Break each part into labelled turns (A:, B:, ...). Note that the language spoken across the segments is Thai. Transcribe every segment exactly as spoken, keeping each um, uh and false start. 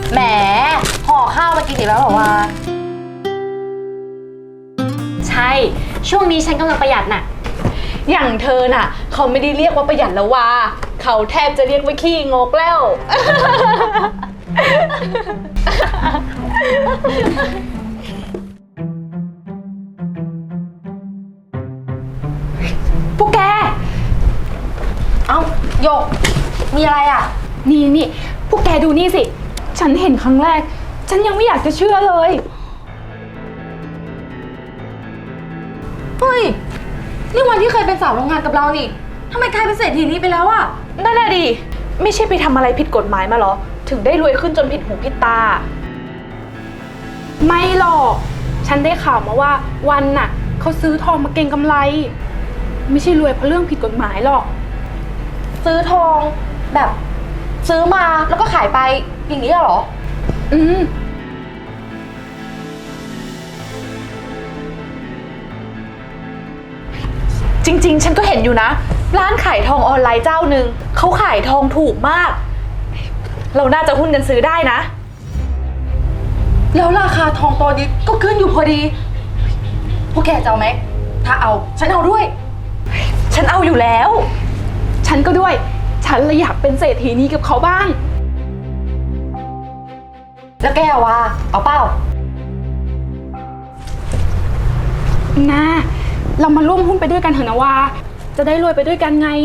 A: แหมห่อข้าวมากินอีกแล้วเหรอวะ
B: ใช่ช่วงนี้ฉันกำลังประหยัดน่ะ
C: อย่างเธอน่ะเขาไม่ได้เรียกว่าประหยัดแล้วว่าเขาแทบจะเรียกว่าขี้งกแล้ว
A: พวกแกเอ้าโยกมีอะไรอ่ะ
C: นี่นี่พวกแกดูนี่สิฉันเห็นครั้งแรกฉันยังไม่อยากจะเชื่อเลย
A: เฮ้ยนี่วันที่เคยเป็นสาวโรงงานกับเรานี่ทำไมกลายเป็นเศรษฐีนี้ไปแล้วอ่ะ
C: นั่นแหละดิไม่ใช่ไปทำอะไรผิดกฎหมายมาหรอถึงได้รวยขึ้นจนผิดหูผิดตาไม่หรอกฉันได้ข่าวมาว่าวันน่ะเขาซื้อทองมาเก็งกำไรไม่ใช่รวยเพราะเรื่องผิดกฎหมายหรอก
A: ซื้อทองแบบซื้อมาแล้วก็ขายไปอย่างนี้เหรอ
C: อืมจริงๆฉันก็เห็นอยู่นะร้านขายทองออนไลน์เจ้าหนึ่งเขาขายทองถูกมากเราน่าจะหุ้นกันซื้อได้นะ
A: แล้วราคาทองตอนนี้ก็ขึ้นอยู่พอดีพวกแกจะเอาไหมถ้าเอาฉันเอาด้วย
C: ฉันเอาอยู่แล้วฉันก็ด้วยฉันเลยอยากเป็นเศรษฐีนี้กับเขาบ้าง
A: แล้วแกวะเอาเปล่า
C: นะเรามาร่วมหุ้นไปด้วยกันเถอะนะวาจะได้รวยไปด้วยกันไง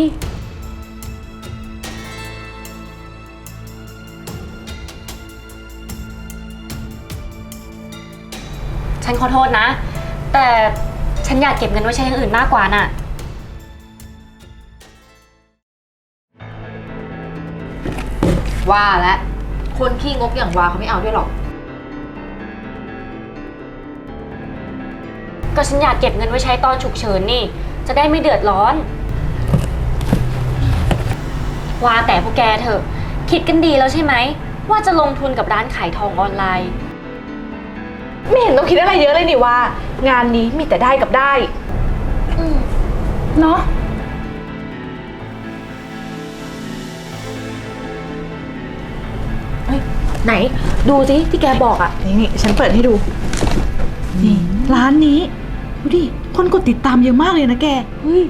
B: ฉันขอโทษนะแต่ฉันอยากเก็บเงินไว้ใช้อย่างอื่นมากกว่าน่ะ
A: ว่าแล้วคนขี้งกอย่างวาเขาไม่เอาด้วยหรอก
B: ก็ฉันอยากเก็บเงินไว้ใช้ตอนฉุกเฉินนี่จะได้ไม่เดือดร้อนว่าแต่พวกแกเถอะคิดกันดีแล้วใช่ไหมว่าจะลงทุนกับร้านขายทองออนไลน์
C: ไม่เห็นต้องคิดอะไรเยอะเลยนี่ว่างานนี้มีแต่ได้กับได้เนาะ
A: ไหนดูสิที่แกบอกอ่ะ
D: นี่นี่ฉันเปิดให้ดูนี่ร้านนี้ดูดิคนกดติดตามเยอะมากเลยนะแกเฮ้ย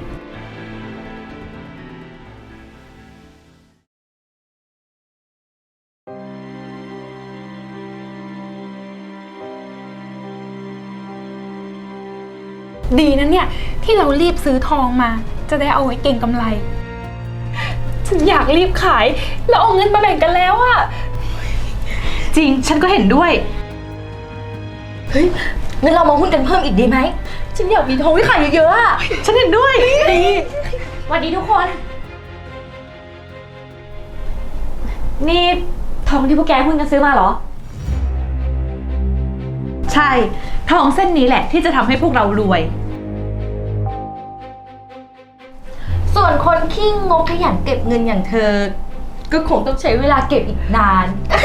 C: ดีนะเนี่ยที่เรารีบซื้อทองมาจะได้เอาไว้เก็งกำไรฉันอยากรีบขายแล้วเอาเงินมาแบ่งกันแล้วอะ
D: จริงฉันก็เห็นด้วย
A: เฮ้ยงั้นเรามาหุ้นกันเพิ่มอีกดีไหมฉันอยากมีทองไว้ขายเยอะๆอะ
D: ฉันเห็นด้วยดี
B: สวัสดีทุกคนนี่ทองที่พวกแกหุ้นกันซื้อมาเหรอ
D: ใช่ทองเส้นนี้แหละที่จะทำให้พวกเรารวย
A: ส่วนคนขี้งกขยันเก็บเงินอย่างเธอก็คงต้องใช้เวลาเก็บอีกนาน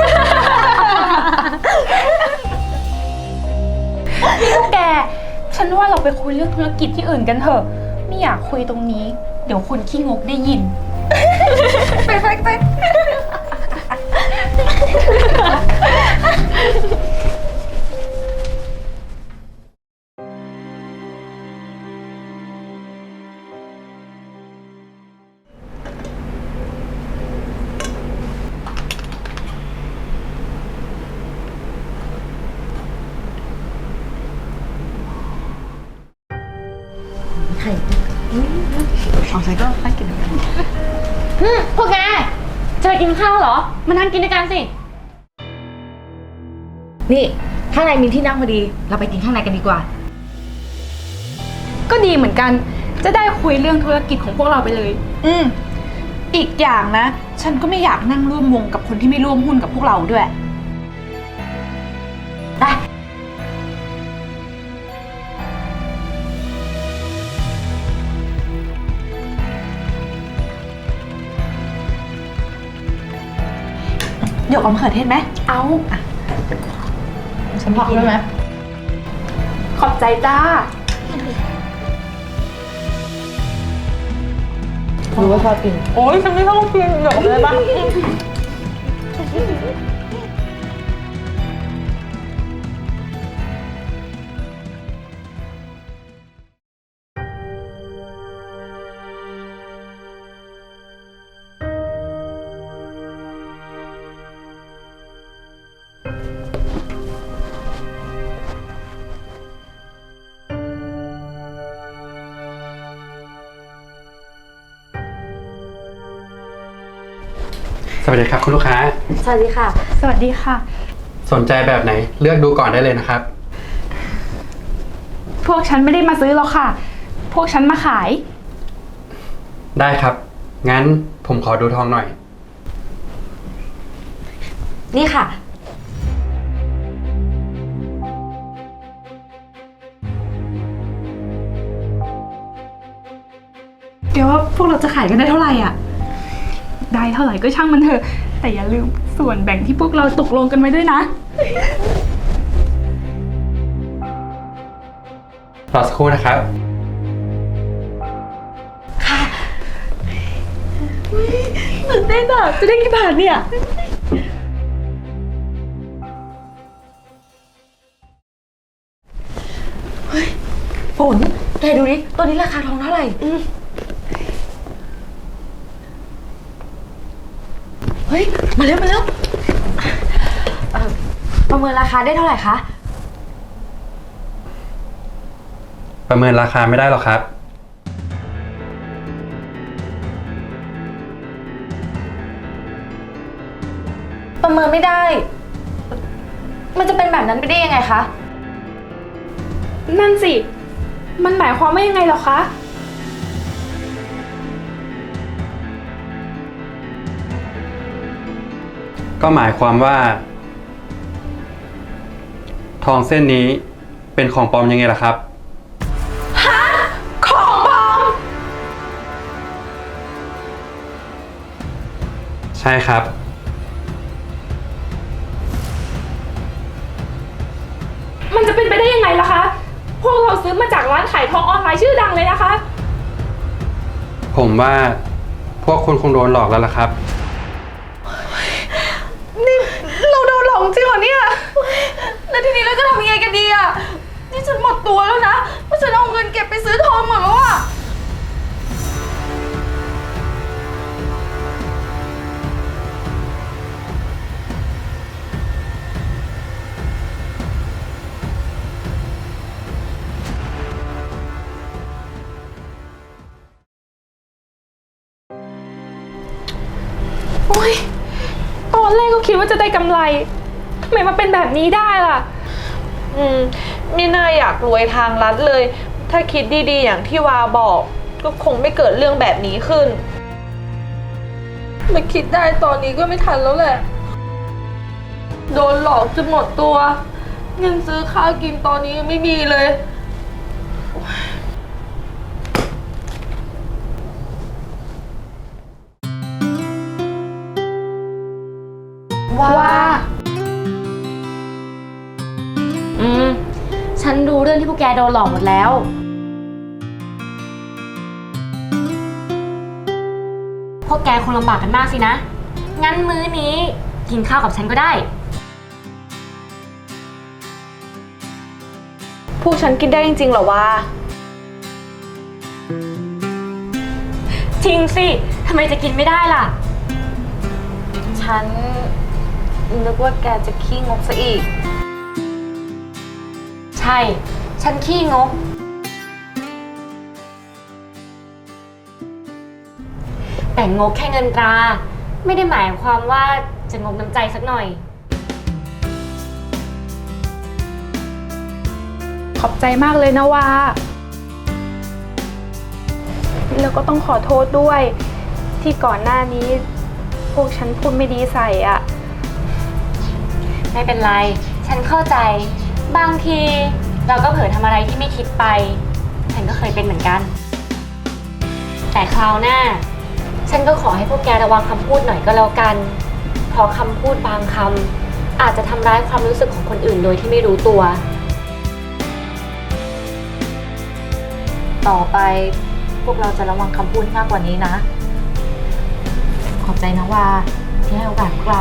C: นี่พวกแกฉันว่าเราไปคุยเรื่องธุรกิจที่อื่นกันเถอะไม่อยากคุยตรงนี้เดี๋ยวคนขี้งกได้ยิน
A: ไปไปไป
D: เอาใส่ก็ไปกินกัน
B: พวกแกจะไปกินข้าวเหรอมานั่งกินด้วยกันสิ
A: นี่ข้างในมีที่นั่งพอดีเราไปกินข้างในกันดีกว่า
C: ก็ดีเหมือนกันจะได้คุยเรื่องธุรกิจของพวกเราไปเลยอืมอีกอย่างนะฉันก็ไม่อยากนั่งร่วมวงกับคนที่ไม่ร่วมหุ้นกับพวกเราด้วย
A: ได้
D: เดี๋ยวเอามะเขือเทศไหม
C: เอา
D: อ่ะฉันพอได้ไหม
C: ขอบใจจ้า
A: รู้ว่าชอบกิน
D: โอ้ยฉันไม่ชอบกินเดี๋ยวเอาไปเลยปะ
E: สวัสดีครับคุณลูกค้า
A: สวัสดีค่ะ
C: สวัสดีค่ะ
E: สนใจแบบไหนเลือกดูก่อนได้เลยนะครับ
C: พวกฉันไม่ได้มาซื้อหรอกค่ะ พวกฉันมาขาย
E: ได้ครับ งั้นผมขอดูทองหน่อย
A: นี่ค่ะ
D: แกว่าพวกเราจะขายกันได้เท่าไหร่อ่ะ
C: ได้เท่าไหร่ก็ช่างมันเถอะ แต่อย่าลืมส่วนแบ่งที่พวกเราตกลงกันไว้ด้วยนะ
E: รอสักครู่นะครับ
D: ตื่นเต้นอ่ะ จะได้กี่บาทเนี่ย
A: ฝน แกดูดิ ตัวนี้ราคาทองเท่าไหร่เฮ้ย มาเร็วมาเร็วเอ่อประเมินราคาได้เท่าไหร่คะ
E: ประเมินราคาไม่ได้หรอกครับ
A: ประเมินไม่ได้ มันจะเป็นแบบนั้นไปได้ยังไงคะ
C: นั่นสิ มันหมายความว่ายังไงเหรอคะ
E: ก็หมายความว่า ทองเส้นนี้เป็นของปลอมยังไงล่ะครับ
C: ของปลอม
E: ใช่ครับ
C: มันจะเป็นไปได้ยังไงล่ะคะ พวกเราซื้อมาจากร้านขายทองออนไลน์ชื่อดังเลยนะคะ
E: ผมว่าพวกคุณคงโดนหลอกแล้วล่ะครับ
A: นี่เราโดนหลอกจริงเหรอเนี่ย แล้วทีนี้เราจะทำยังไงกันดีอ่ะ นี่ฉันหมดตัวแล้วนะเพราะฉันเอาเงินเก็บไปซื้อทองหมดแล้วอ่ะ
C: โอ๊ย ตอนแรกก็คิดว่าจะได้กำไร ทำไมมาเป็นแบบนี้ได้ล่ะ
F: อืมไม่น่าอยากรวยทางลัดเลย ถ้าคิดดีๆอย่างที่วาบอก ก็คงไม่เกิดเรื่องแบบนี้ขึ้นมาคิดได้ตอนนี้ก็ไม่ทันแล้วแหละ โดนหลอกจนหมดตัว เงินซื้อข้าวกินตอนนี้ยังไม่มีเลย
A: ว่า
B: อืม ฉันรู้เรื่องที่พวกแกโดนหลอกหมดแล้ว พวกแกคงลำบากกันมากสินะ งั้นมื้อนี้กินข้าวกับฉันก็ได้
F: พวกฉันกินได้จริงๆเหรอวะ
B: จริงสิ ทำไมจะกินไม่ได้ล่ะ
F: ฉันนึกว่าแกจะขี้งกซะอีก
B: ใช่ ฉันขี้งก แต่งกแค่เงินตรา ไม่ได้หมายความว่าจะงกน้ำใจสักหน่อย
C: ขอบใจมากเลยนะวาแล้วก็ต้องขอโทษด้วย ที่ก่อนหน้านี้ พวกฉันพูดไม่ดีใส่อะ
B: ไม่เป็นไร ฉันเข้าใจ บางทีเราก็เผลอทำอะไรที่ไม่คิดไป ฉันก็เคยเป็นเหมือนกัน แต่คราวหน้า ฉันก็ขอให้พวกแกระวังคำพูดหน่อยก็แล้วกัน เพราะคำพูดบางคำอาจจะทำร้ายความรู้สึกของคนอื่นโดยที่ไม่รู้ตัว
A: ต่อไปพวกเราจะระวังคำพูดมากกว่านี้นะ ขอบใจนะว่าที่ให้โอกาสพวกเรา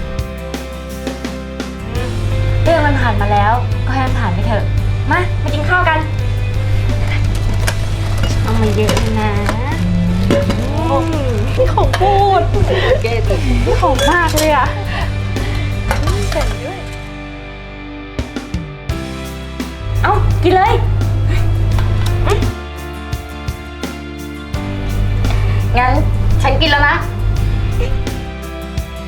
B: เรื่องมันผ่านมาแล้ว ก็ให้มันผ่านไปเถอะ มา มากินข้าวกัน เอามาเยอะเลยนะ
C: นี่ของพูดนี่ของมากเลยอะแต่งด้วย
B: เอ้า กินเลย
A: งั้นฉันกินแล้วนะ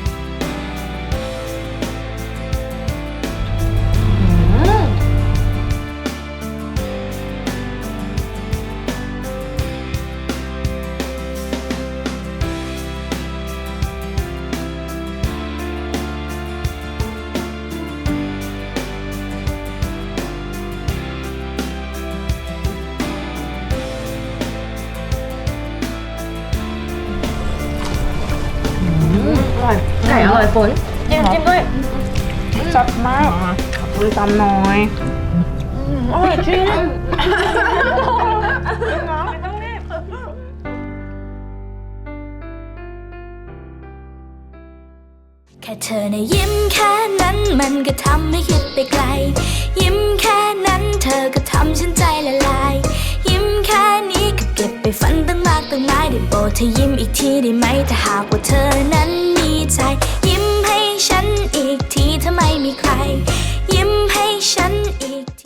B: อยฝนจิ้มจิ้มด้วยจัดมากขอบคุณตำน้อยอร่อยจริงไม่ต้องรีบ
G: แค่เธอในะยิ้มแค่นั้นมันก็ทำให้คิดไปไกลยิ้มแค่นั้นเธอก็ทำฉันใจละลายยิ้มแค่นี้ก็เก็บไปฝันตั้งมากตั้งหลายได้โปรดเธอยิ้มอีกทีได้ไหมถ้าหากว่าเธอนั้น